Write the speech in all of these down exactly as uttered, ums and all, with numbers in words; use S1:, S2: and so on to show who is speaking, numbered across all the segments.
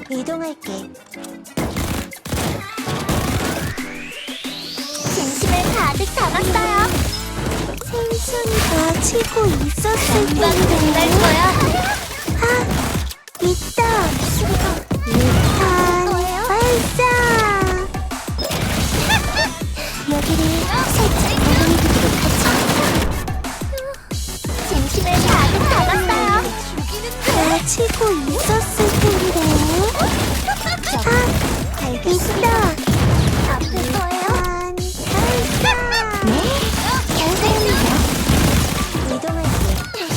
S1: 이동할게. 진심을 가득 담았어요. 생선이가 치고 있었을 텐데. 날 거야. 아, 있다. 유탄 발사. 여기를 살짝 보내드리도록 하죠. 진심을 가득 담았어요. 다 치고 있었을 텐데. 아, 있다. 아플 거예요. 발사. 네, 결승입니다. 이동할게.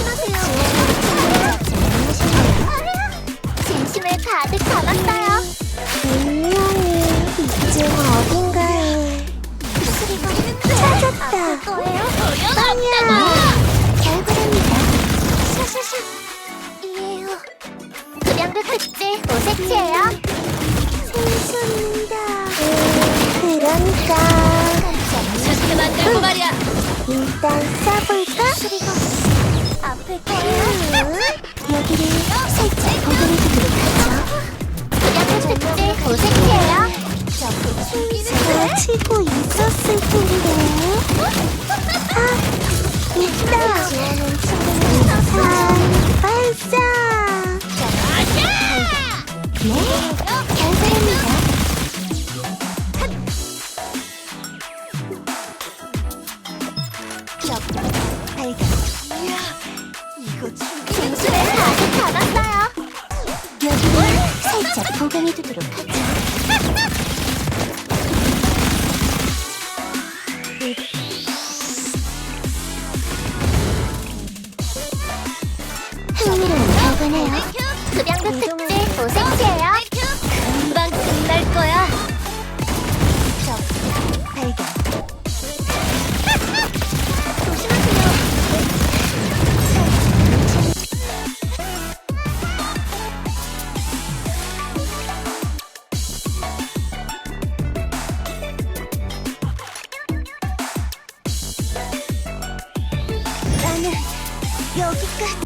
S1: 조심하세요. 진심을 가득 담았어요. 분명히 이쯤 어딘가에 찾았다. 빵야. 결국입니다. 샤샤샤. 이에요. 급양도 특제 오색지예요. 생수입니다. 그러니까
S2: 그렇게 만들고 말이야.
S1: 일단 써볼까? 수리가 아플 거예요. 여기를 살짝 보듬어주도록 하죠. 급양도 특제 오색지예요. 생수가 치고 있었을 텐데. 아, 있다. 유탄 발사. 네, 결승입니다. 발견. 진심을 가득 담았어요. 여기를 살짝 보강해두도록 하죠. 흥미로운 결과네요. 급양도 특제 오색지예요.
S2: 금방 끝날 거야.
S1: 발견. 나는 여기까지.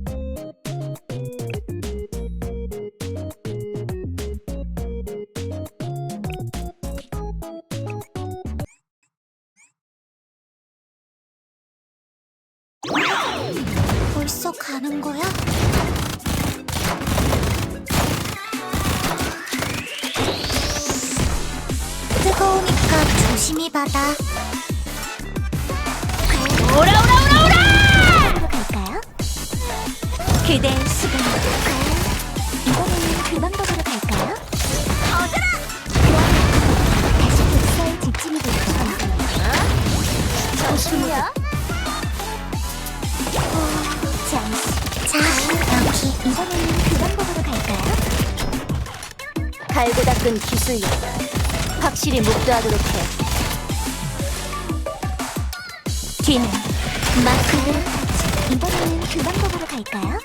S1: 벌써 가는 거야? 뜨거우니까 조심히 받아.
S2: 오라 오라 오라 오라!
S1: 으로 갈까요?
S2: 그댄 수분.
S1: 이번에는 그 방법으로 갈까요? 다시 독서에 집중이 될 거야.
S2: 정신이야?
S1: 잠시. 자, 여기. 이번에는 그 방법으로 갈까요?
S2: 갈고 닦은 기술력. 확실히 목도하도록 해. 뒤는
S1: 마크를 타치. 이번에는 그 방법으로 갈까요?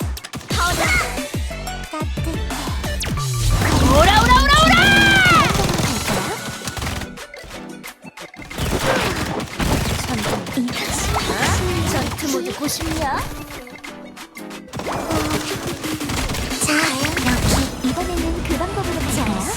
S1: 따뜻해.
S2: 오라 오라 오라 오라! 전투 모드 고심이야?
S1: 자, 여기. 이번에는 그 방법으로 갈까요?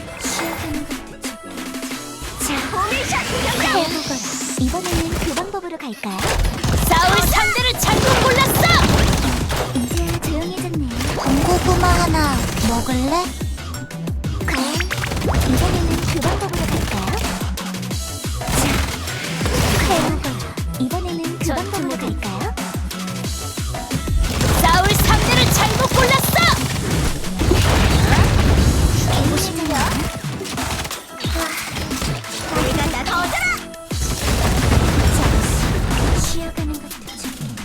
S1: 자, 해보거라. 이번에는 그 방법으로 갈까요?
S2: 싸울 상대를 잘못 골랐어!
S1: 이제야 조용해졌네. 군고구마 하나 먹을래? 과연 이번에는 그 방법으로 갈까요? 자, 해보거라. 이번에는 그 방법으로 갈까요?
S2: 싸울 상대를 잘못 골랐어!
S1: 개보시면요.
S2: 내가 나 더더라!
S1: 잠시 쉬어가는 것도 중요하지.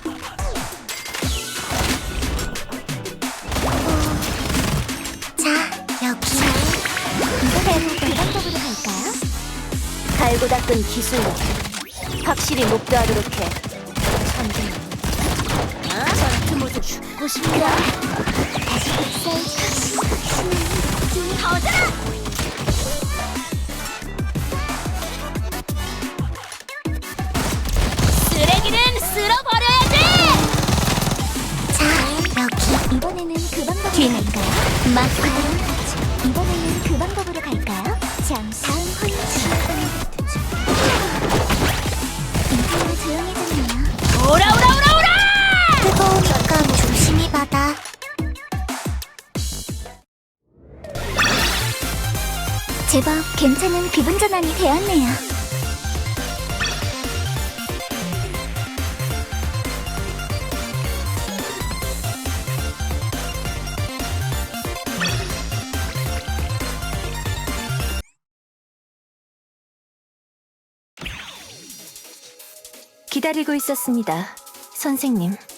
S1: 자, 여기. 이번에는 그 방법으로 갈까요?
S2: 갈고 닦은 기술력. 확실히 목도하도록 해. 천재. 전투 모드 고심이야?
S1: 다시 복사해.
S2: 좀 더더라! 쓰레기는 쓸어버려야지!
S1: 자, 여기. 이번에는 그 방법으로
S2: 뒤는
S1: 갈까요?
S2: 마크
S1: 제법 괜찮은 기분 전환이 되었네요.
S2: 기다리고 있었습니다, 선생님.